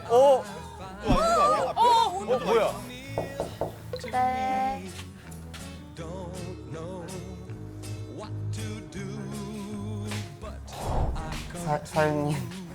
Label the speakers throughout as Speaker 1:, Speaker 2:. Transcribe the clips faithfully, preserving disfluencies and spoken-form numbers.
Speaker 1: 어? 어? 어? 뭐야?
Speaker 2: 네.
Speaker 3: 사, 사연님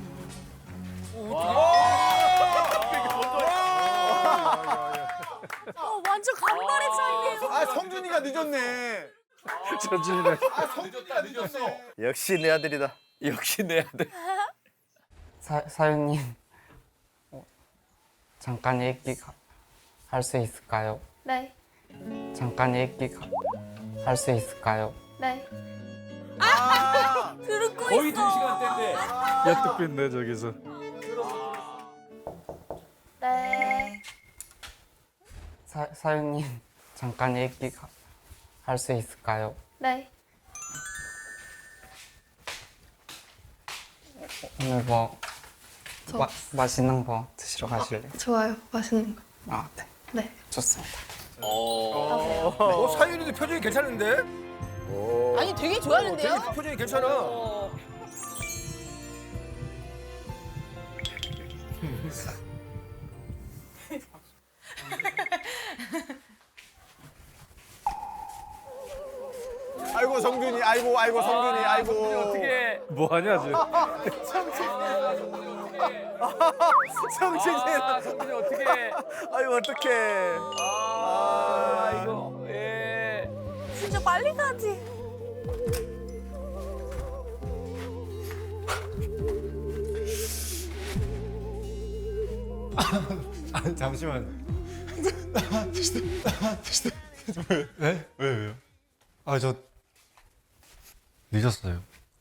Speaker 2: 어, 완전 간발의 차이네요.
Speaker 1: 아, 성준이가 늦었네.
Speaker 4: 천준이네.
Speaker 1: 아, 성준이가 늦었어.
Speaker 5: 역시 내 아들이다.
Speaker 6: 역시 내 아들.
Speaker 3: 사, 사연님 어, 잠깐 얘기 할 수 있을까요?
Speaker 2: 네.
Speaker 3: 잠깐 얘기 할 수 있을까요?
Speaker 2: 네. 들고
Speaker 6: 거의
Speaker 2: 있어.
Speaker 6: 두 시간대인데.
Speaker 4: 약득빈네 저기서.
Speaker 2: 네.
Speaker 3: 사, 사연님 잠깐 얘기 할 수 있을까요?
Speaker 2: 네.
Speaker 3: 오늘 뭐
Speaker 7: 저-
Speaker 3: 마, 맛있는 거 드시러 가실래요?
Speaker 7: 좋아요. 맛있는 거.
Speaker 3: 아, 네.
Speaker 7: 네.
Speaker 3: 좋습니다.
Speaker 6: 어.
Speaker 1: 어, 사윤이도 표정이 괜찮은데?
Speaker 8: 아니 되게 좋아하는데요?
Speaker 1: 되게 표정이 괜찮아. 아이고 성준이, 아이고 아이고 성준이, 아이고.
Speaker 6: 어떻게?
Speaker 4: 뭐 하냐 지금?
Speaker 1: 성준이,
Speaker 6: 아, 성준이 어떻게?
Speaker 1: 아이고 어떡해.
Speaker 6: 아, 이거. 예.
Speaker 2: 진짜 빨리 가지.
Speaker 5: 아, 잠시만.
Speaker 4: 네? 왜 왜요?
Speaker 5: 아, 저 늦었어요.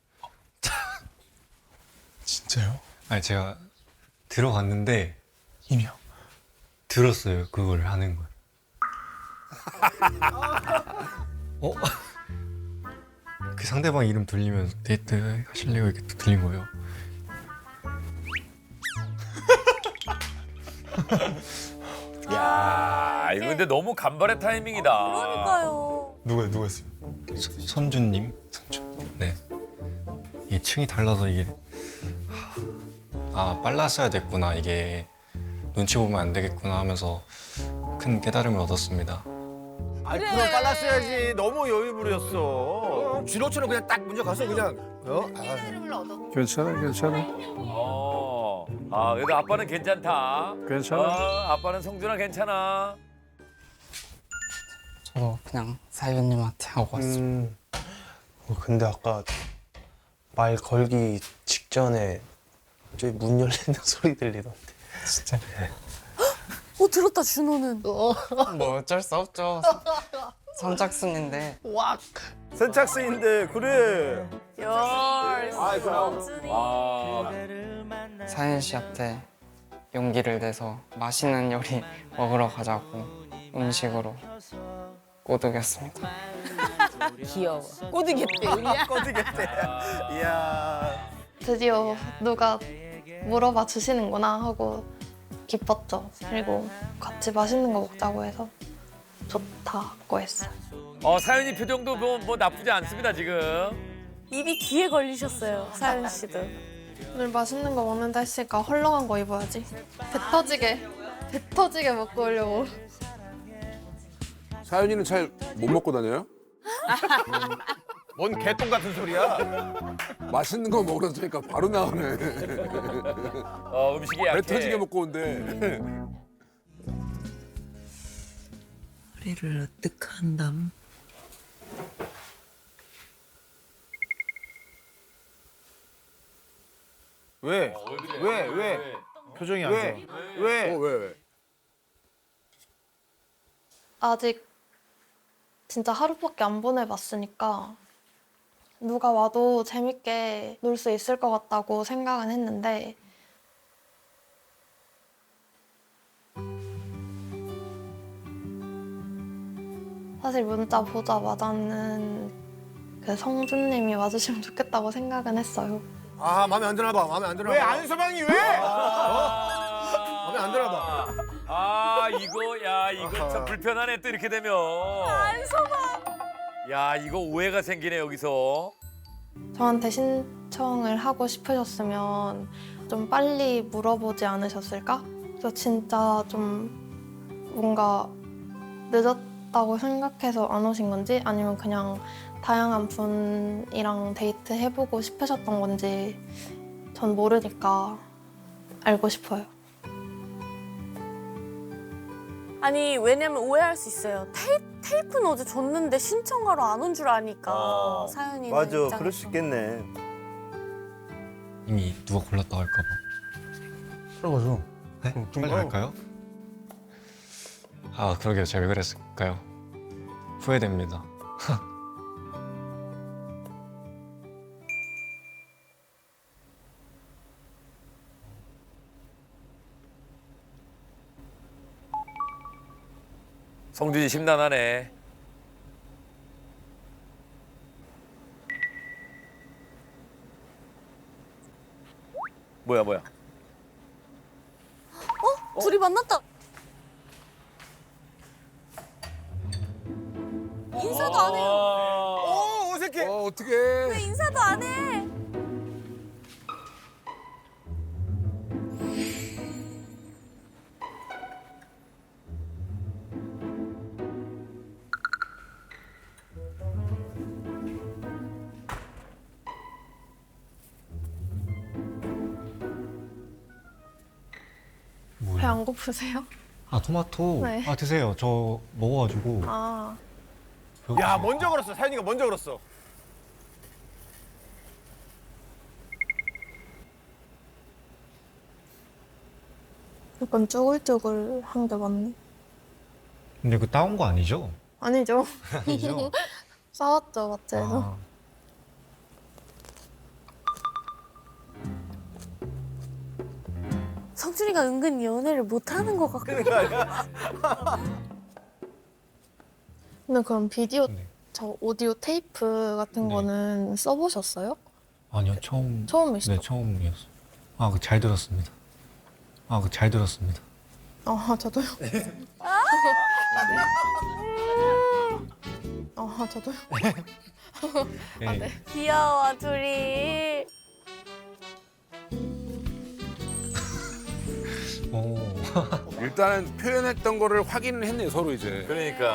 Speaker 4: 진짜요?
Speaker 5: 아니, 제가 들어갔는데
Speaker 4: 이미요.
Speaker 5: 들었어요. 그걸 하는 걸. 어? 그 상대방 이름 들리면서 데이트 하실래요? 이렇게 또 들린 거예요.
Speaker 6: 야, 이거 근데 너무 간발의 타이밍이다.
Speaker 2: 그러니까요.
Speaker 5: 누가 누가 했어요? 선준님. 선준. 네. 이게 층이 달라서 이게 아 빨랐어야 됐구나. 이게 눈치 보면 안 되겠구나 하면서 큰 깨달음을 얻었습니다.
Speaker 1: 아, 그럼 빨랐어야지. 너무 여유 부렸어. 쥐로처럼 그냥 딱 먼저 가서 그냥. 어? 아.
Speaker 4: 괜찮아 괜찮아
Speaker 6: 어. 아, 그래도 아빠는 괜찮다.
Speaker 4: 괜찮아.
Speaker 6: 어, 아빠는 성준아 괜찮아.
Speaker 3: 저도 그냥 사연님한테 하고 왔습니다.
Speaker 9: 음, 어, 근데 아까 말 걸기 직전에 저기 문 열리는 소리 들리던데.
Speaker 3: 진짜
Speaker 2: 어, 들었다, 준호는.
Speaker 3: 뭐 어쩔 수 없죠. 선착순인데
Speaker 1: 선착순인데 그래.
Speaker 2: 열.
Speaker 1: 아이, 그럼.
Speaker 2: 성준이.
Speaker 6: 아,
Speaker 3: 사연 씨한테 용기를 내서 맛있는 요리 먹으러 가자고 음식으로 꼬드겼습니다.
Speaker 8: 귀여워. 꼬드겠대 우리야.
Speaker 1: 꺼지겠대. 이야.
Speaker 7: 드디어 누가 물어봐 주시는구나 하고 기뻤죠. 그리고 같이 맛있는 거 먹자고 해서 좋다고 했어요.
Speaker 6: 어, 사연이 표정도 뭐, 뭐 나쁘지 않습니다 지금.
Speaker 2: 입이 귀에 걸리셨어요, 사연 씨도.
Speaker 7: 오늘 맛있는 거 먹는다 했으니까 헐렁한 거 입어야지. 배 터지게, 배 터지게 먹고 오려고.
Speaker 10: 사연이는 잘 못 먹고 다녀요?
Speaker 1: 뭔 개똥 같은 소리야?
Speaker 10: 맛있는 거 먹으러 다니까 바로 나오네.
Speaker 6: 어, 음식이 약해.
Speaker 10: 배 터지게 먹고 온대.
Speaker 8: 우리를 어떻게 한담?
Speaker 1: 왜? 왜? 왜? 표정이 안 왜? 왜?
Speaker 10: 어, 왜, 왜?
Speaker 7: 아직 진짜 하루밖에 안 보내봤으니까 누가 와도 재밌게 놀 수 있을 것 같다고 생각은 했는데 사실 문자 보자마자는 그 성준님이 와주시면 좋겠다고 생각은 했어요.
Speaker 1: 아, 마음에 안 드나 봐. 마음에 안 드나 봐. 왜 안서방이 왜? 어? 마음에 안 드나 봐.
Speaker 6: 아, 이거 야 이거 참 불편하네 또 이렇게 되면.
Speaker 2: 안서방.
Speaker 6: 야, 이거 오해가 생기네 여기서.
Speaker 7: 저한테 신청을 하고 싶으셨으면 좀 빨리 물어보지 않으셨을까? 그래서 진짜 좀 뭔가 늦었다고 생각해서 안 오신 건지 아니면 그냥 다양한 분이랑 데이트 해보고 싶으셨던 건지 전 모르니까 알고 싶어요.
Speaker 2: 아니 왜냐면 오해할 수 있어요. 테이, 테이프는 어제 줬는데 신청하러 안 온 줄 아니까
Speaker 1: 어,
Speaker 2: 사연이
Speaker 1: 맞아, 그럴 수 있겠네.
Speaker 5: 이미 누가 골랐다고 할까봐.
Speaker 4: 들어가죠.
Speaker 5: 네?
Speaker 4: 응, 좀
Speaker 5: 빨리
Speaker 4: 가요.
Speaker 5: 갈까요? 아 그러게요. 제가 왜 그랬을까요? 후회됩니다.
Speaker 6: 성준이 심란하네. 뭐야 뭐야.
Speaker 2: 어? 둘이 만났다. 인사도 안 해요.
Speaker 1: 오, 어색해.
Speaker 10: 어 어떡해.
Speaker 2: 왜 인사도 안 해?
Speaker 7: 배 안 고프세요?
Speaker 5: 아 토마토.
Speaker 7: 네.
Speaker 5: 아 드세요. 저 먹어가지고.
Speaker 7: 아,
Speaker 1: 야, 먼저 걸었어. 사연이가 먼저 걸었어.
Speaker 7: 약간 쭈글쭈글한 게 맞네.
Speaker 5: 근데 그 따온 거 아니죠?
Speaker 7: 아니죠.
Speaker 5: 아니죠?
Speaker 7: 싸웠죠, 마트에서.
Speaker 5: 아,
Speaker 2: 성준이가 은근 연애를 못하는 것 같고.
Speaker 1: 그러니까
Speaker 7: 근데 그럼 비디오,
Speaker 5: 네.
Speaker 7: 저 오디오 테이프 같은
Speaker 5: 네.
Speaker 7: 거는 써보셨어요?
Speaker 5: 아니요 처음.
Speaker 7: 처음이시죠?
Speaker 5: 네 처음이었어. 아 그 잘 들었습니다. 아 그 잘 들었습니다.
Speaker 7: 아, 저도요. 아, 저도요.
Speaker 5: 네.
Speaker 2: 귀여워 둘이.
Speaker 5: 오.
Speaker 10: 일단은 표현했던 거를 확인을 했네 서로 이제.
Speaker 6: 그러니까.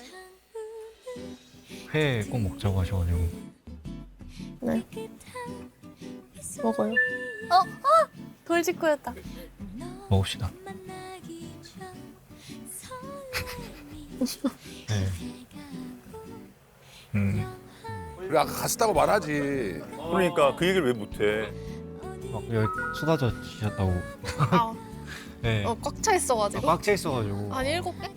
Speaker 5: 회 꼭 먹자고 하셔가지고.
Speaker 7: 네. 먹어요.
Speaker 2: 돌직구였다.
Speaker 5: 먹읍시다. 네. 음.
Speaker 10: 그래 아까 갔었다고 말하지.
Speaker 1: 그러니까 그 얘기를 왜 못해?
Speaker 5: 막 여기 쏟아져 지셨다고.
Speaker 7: 아,
Speaker 5: 네.
Speaker 7: 어, 꽉 차 있어가지고.
Speaker 5: 꽉 차 있어가지고.
Speaker 7: 한 일곱 개?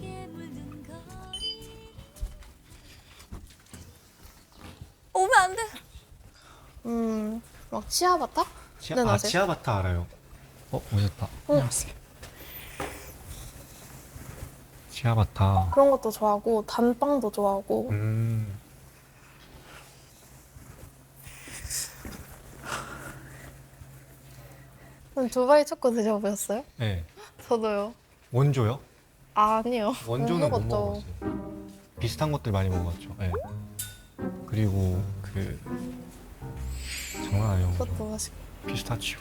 Speaker 2: 오면 안 돼.
Speaker 7: 음, 막 치아바타?
Speaker 5: 치아,
Speaker 7: 네,
Speaker 5: 아
Speaker 7: 맞아요.
Speaker 5: 치아바타 알아요. 어 오셨다.
Speaker 7: 안녕하세요.
Speaker 5: 치아바타.
Speaker 7: 그런 것도 좋아하고 단빵도 좋아하고.
Speaker 5: 음.
Speaker 7: 그럼 두바이 초코 드셔보셨어요?
Speaker 5: 네.
Speaker 7: 저도요.
Speaker 5: 원조요?
Speaker 7: 아, 아니요.
Speaker 5: 원조는 못
Speaker 7: 먹었죠.
Speaker 5: 먹어봤어요. 비슷한 것들 많이 먹어봤죠. 네. 그리고 그 장난 아니에요.
Speaker 7: 그것도 맛있고.
Speaker 5: 피스타치오.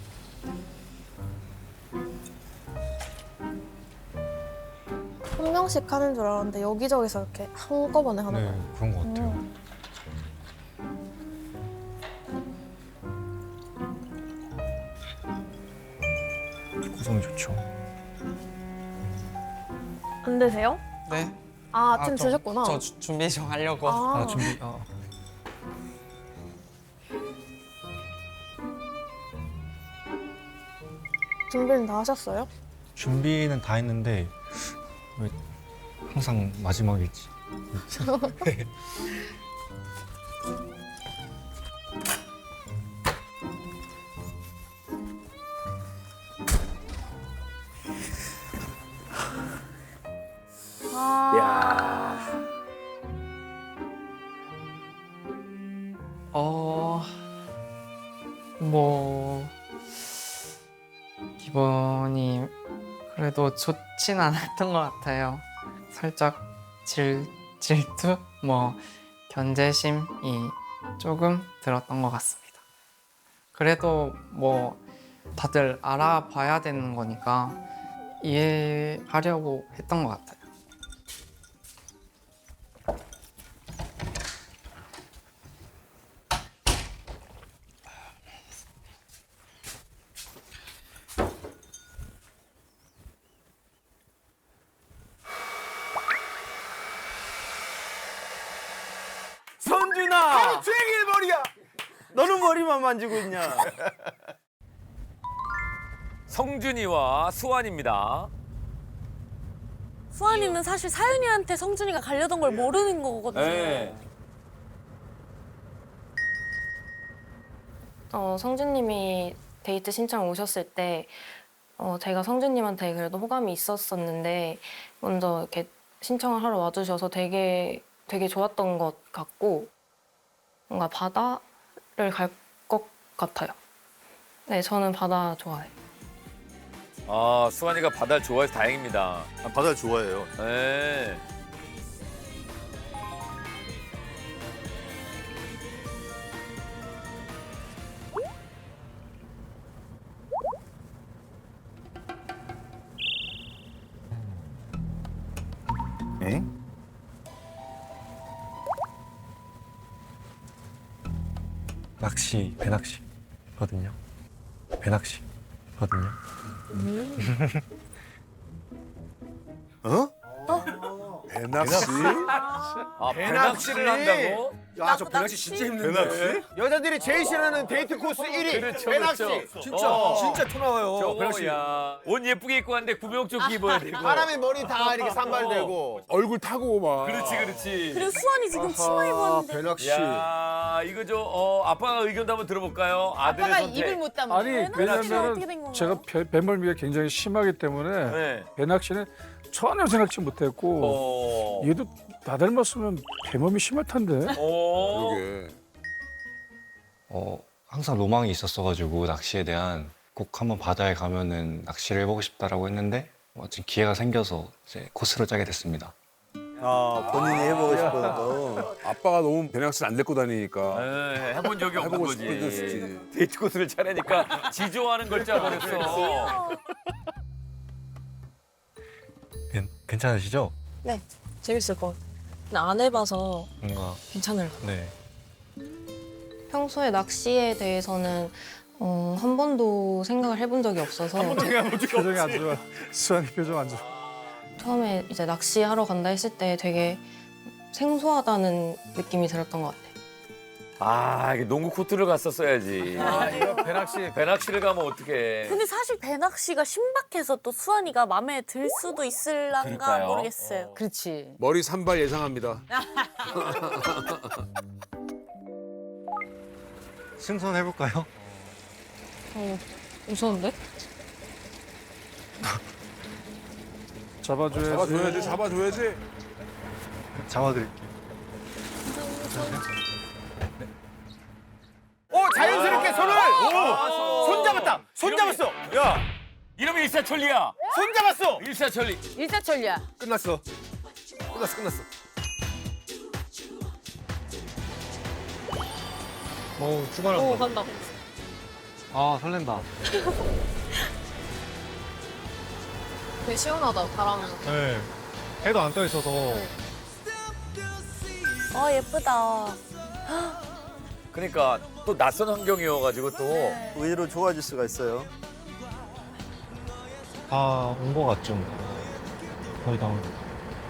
Speaker 7: 한 명씩 하는 줄 알았는데 여기저기서 이렇게 한꺼번에 하는
Speaker 5: 네
Speaker 7: 거예요.
Speaker 5: 그런 것 같아요.
Speaker 7: 음.
Speaker 5: 구성이 좋죠.
Speaker 7: 안 드세요?
Speaker 3: 네.
Speaker 7: 아, 아침
Speaker 3: 저-
Speaker 7: 드셨구나.
Speaker 3: 저 주- 준비 좀 하려고.
Speaker 7: 아,
Speaker 5: 아 준비. 아.
Speaker 7: 준비는 다 하셨어요?
Speaker 5: 준비는 다 했는데 왜 항상 마지막이지?
Speaker 1: 야.
Speaker 3: 어, 뭐 기분이 그래도 좋진 않았던 것 같아요. 살짝 질 질투, 뭐 견제심이 조금 들었던 것 같습니다. 그래도 뭐 다들 알아봐야 되는 거니까 이해하려고 했던 것 같아요.
Speaker 1: 선준아! 쟁일 머리야! 너는 머리만 만지고 있냐?
Speaker 6: 성준이와 수환입니다.
Speaker 2: 수환이는 사실 사윤이한테 성준이가 가려던 걸 모르는 거거든요.
Speaker 6: 네.
Speaker 7: 어, 성준님이 데이트 신청 오셨을 때 어, 제가 성준님한테 그래도 호감이 있었었는데 먼저 이렇게 신청을 하러 와주셔서 되게 되게 좋았던 것 같고 뭔가 바다를 갈 것 같아요. 네, 저는 바다 좋아해요.
Speaker 6: 아, 수환이가 바다를 좋아해서 다행입니다.
Speaker 1: 아, 바다를 좋아해요.
Speaker 6: 네.
Speaker 1: 에?
Speaker 5: 낚시, 배낚시거든요. 배낚시거든요.
Speaker 1: 어?
Speaker 10: 배낚시?
Speaker 6: 아,
Speaker 1: 배낚시?
Speaker 6: 배낚시를 한다고?
Speaker 1: 야, 저 배낚시 진짜 힘든데. 배낚시? 여자들이 제일 싫어하는 데이트 코스 일 위.
Speaker 6: 그렇죠,
Speaker 1: 배낚시.
Speaker 6: 그렇죠.
Speaker 1: 진짜,
Speaker 6: 어.
Speaker 1: 진짜 토 나와요.
Speaker 6: 저거
Speaker 1: 배낚시.
Speaker 6: 야, 옷 예쁘게 입고 왔는데 구명조끼 입어야 되고.
Speaker 1: 바람에 머리 다 이렇게 산발되고.
Speaker 10: 얼굴 타고 막.
Speaker 6: 그렇지, 그렇지.
Speaker 2: 그리고 수환이 지금 치마 입었는데.
Speaker 1: 배낚시.
Speaker 6: 야, 이거 저 어, 아빠가 의견도 한번 들어볼까요? 아들의
Speaker 8: 아빠가
Speaker 6: 선택.
Speaker 8: 입을 못 담아.
Speaker 4: 아니
Speaker 2: 배낚시는 어떻게 된
Speaker 4: 왜냐면
Speaker 2: 건가요?
Speaker 4: 제가 배, 배멀미가 굉장히 심하기 때문에
Speaker 6: 네.
Speaker 4: 배낚시는 전혀 생각지 못했고
Speaker 6: 어.
Speaker 4: 얘도 나 닮았으면 배멀미 심할 텐데.
Speaker 6: 어.
Speaker 10: 그러게.
Speaker 5: 어, 항상 로망이 있었어가지고 낚시에 대한 꼭 한번 바다에 가면은 낚시를 해보고 싶다라고 했는데 마침 기회가 생겨서 이제 코스를 짜게 됐습니다.
Speaker 1: 아, 본인이 해보고 싶어서.
Speaker 10: 아빠가 너무 배낚시를 안 데리고 다니니까.
Speaker 6: 네, 해본 적이 없는
Speaker 10: 해보고
Speaker 6: 거지.
Speaker 10: 싶었지.
Speaker 6: 데이트 코스를 차려니까 지조하는 걸 짜버렸어.
Speaker 5: 괜- 괜찮으시죠?
Speaker 7: 네, 재밌을 것 같아요. 안 해봐서
Speaker 5: 뭔가
Speaker 7: 괜찮을 것 같아요.
Speaker 5: 네.
Speaker 7: 평소에 낚시에 대해서는 어, 한 번도 생각을 해본 적이 없어서
Speaker 4: 표정이 안 좋아. 수환이 표정 안 좋아.
Speaker 7: 처음에 이제 낚시하러 간다 했을 때 되게 생소하다는 느낌이 들었던 것 같아요.
Speaker 6: 아, 이게 농구 코트를 갔었어야지.
Speaker 1: 아, 이거 배낚시.
Speaker 6: 배낚시를 가면 어떡해.
Speaker 2: 근데 사실 배낚시가 신박해서 또 수환이가 마음에 들 수도 있을란가
Speaker 6: 그럴까요?
Speaker 2: 모르겠어요.
Speaker 8: 그렇지.
Speaker 10: 머리 산발 예상합니다.
Speaker 5: 승선 해볼까요?
Speaker 7: 어, 무서운데?
Speaker 4: 잡아줘야지.
Speaker 10: 잡아줘야지, 잡아줘야지.
Speaker 5: 잡아드릴게요.
Speaker 1: 오, 자연스럽게 손을. 오, 손 잡았다. 손 잡았어. 야,
Speaker 6: 이러면 일사천리야.
Speaker 1: 손 잡았어.
Speaker 6: 일사천리.
Speaker 8: 일사천리야.
Speaker 1: 끝났어. 끝났어, 끝났어.
Speaker 5: 오, 출발한다.
Speaker 7: 오, 간다.
Speaker 5: 아, 설렌다.
Speaker 7: 되게 시원하다, 바람.
Speaker 5: 네. 해도 안 떠 있어서.
Speaker 2: 아 예쁘다.
Speaker 6: 그러니까 또 낯선 환경이어가지고 또.
Speaker 1: 의외로 좋아질 수가 있어요.
Speaker 5: 다 온 거 같죠? 거의 다 온 거.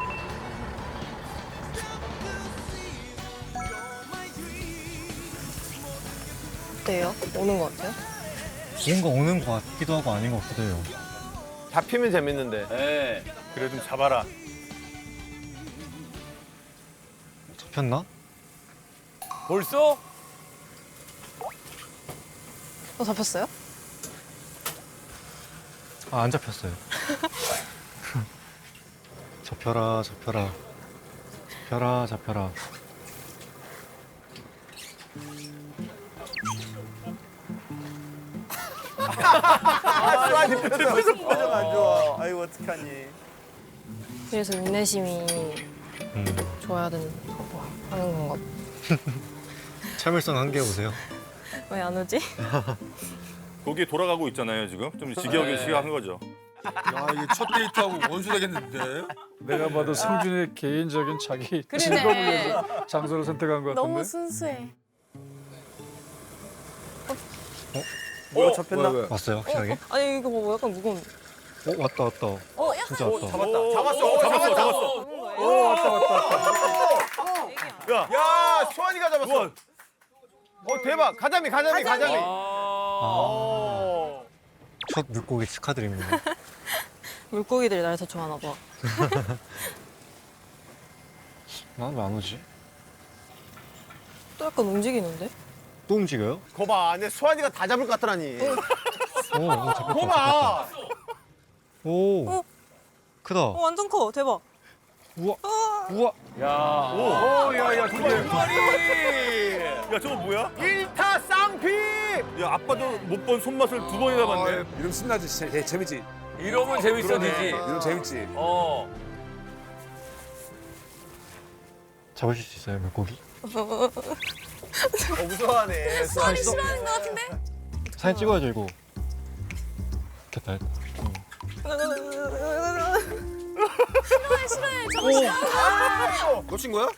Speaker 7: 어때요? 오는 것 같아요?
Speaker 5: 뭔가 오는 거 같기도 하고 아닌 것 같기도 해요.
Speaker 1: 잡히면 재밌는데.
Speaker 6: 네.
Speaker 1: 그래 좀 잡아라.
Speaker 5: 잡혔나?
Speaker 6: 벌써?
Speaker 7: 어, 잡혔어요?
Speaker 5: 아, 안 잡혔어요. 잡혀라, 잡혀라. 잡혀라, 잡혀라.
Speaker 1: 아, 수환이 표정, 표정 안 좋아. 아이고, 어떡하니.
Speaker 7: 그래서 인내심이
Speaker 5: 음.
Speaker 7: 좋아야 되는 거 하는 건가 봐.
Speaker 5: 참을성 한개 보세요.
Speaker 7: 왜 안 오지?
Speaker 11: 거기에 돌아가고 있잖아요 지금. 좀 지겨우게
Speaker 6: 네.
Speaker 11: 시작한 거죠.
Speaker 1: 야 이게 첫 데이트하고 원수 되겠는데.
Speaker 4: 내가 봐도 성준의 개인적인 자기
Speaker 8: 그러네.
Speaker 4: 즐거움을 위해서 장소를 선택한 것 같은데.
Speaker 2: 너무 순수해.
Speaker 1: 뭐야 잡혔나?
Speaker 5: 왔어요 확실하게?
Speaker 8: 아니 이거 뭐 약간 무거운데.
Speaker 5: 어 왔다 왔다.
Speaker 8: 어 약간
Speaker 5: 진짜 왔다.
Speaker 1: 잡았다. 잡았어. 오,
Speaker 11: 잡았어, 잡았어.
Speaker 4: 오 왔다 왔다 왔다.
Speaker 1: 야, 야 수환이가 잡았어. 어 대박. 가자미 가자미 가자미.
Speaker 5: 아, 첫 물고기 축하드립니다.
Speaker 8: 물고기들이 날 더 좋아하나 봐.
Speaker 5: 난 왜 안 오지?
Speaker 8: 또 약간 움직이는데?
Speaker 5: 또 움직여요?
Speaker 1: 거봐, 내 수환이가 다 잡을 것 같더라니.
Speaker 5: 오, 오 잡혔다.
Speaker 1: 거봐.
Speaker 5: 오,
Speaker 8: 어?
Speaker 5: 크다.
Speaker 8: 어 완전 커. 대박.
Speaker 5: 우와, 우와.
Speaker 11: 야.
Speaker 1: 오, 야, 야, 두 마리.
Speaker 11: 야 저거 뭐야?
Speaker 1: 일타 쌍피.
Speaker 11: 야 아빠도 못 본 손맛을 두 번이나 봤네.
Speaker 10: 이러면 신나지. 재, 재, 재밌지.
Speaker 6: 이러면 재밌어지지.
Speaker 10: 이러면 재밌지.
Speaker 6: 어.
Speaker 5: 잡으실 수 있어요 물고기?
Speaker 1: 어, 무서워하네.
Speaker 2: 수환이 싫어하는 것 같은데?
Speaker 5: 사진 찍어야죠 이거. 됐다 됐다. 응.
Speaker 2: 싫어해 싫어해 저거 싫어.
Speaker 1: 놓친 거야?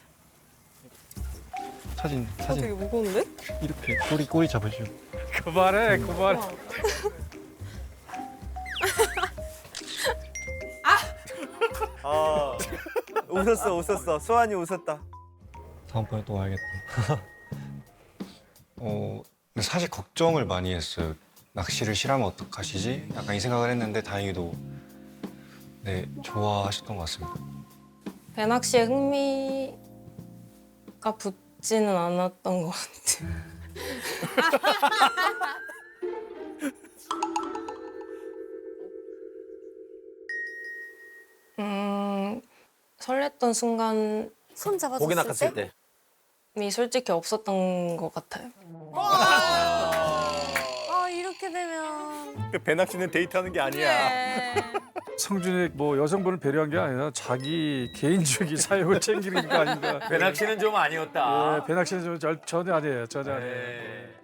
Speaker 5: 사진
Speaker 8: 어, 되게
Speaker 5: 사진
Speaker 8: 무거운데?
Speaker 5: 이렇게 꼬리 꼬리 잡으시고.
Speaker 4: 그만해 그만해.
Speaker 1: 아, 웃었어, 웃었어. 수환이 웃었다.
Speaker 5: 다음번에 또 와야겠다. 어, 근데 사실 걱정을 많이 했어요. 낚시를 싫어하면 어떡하시지? 약간 이 생각을 했는데 다행히도 네 좋아하셨던 것 같습니다.
Speaker 7: 배낚시에 흥미가 붙지는 않았던 것 같아요. 음, 설렜던 순간이
Speaker 2: 손
Speaker 1: 고기
Speaker 2: 잡아줬을
Speaker 1: 낚았을
Speaker 2: 때?
Speaker 1: 때.
Speaker 7: 솔직히 없었던 것 같아요.
Speaker 2: 아 이렇게 되면
Speaker 11: 배낚시는 데이트하는 게 아니야.
Speaker 4: 성준이 뭐 여성분을 배려한 게 아니라 자기 개인적인 사욕을 챙기는 게 아닌가.
Speaker 6: 배낚시는 좀 아니었다.
Speaker 4: 예, 배낚시는 좀 절- 전혀 아니에요. 전혀 아니에요.
Speaker 6: 네.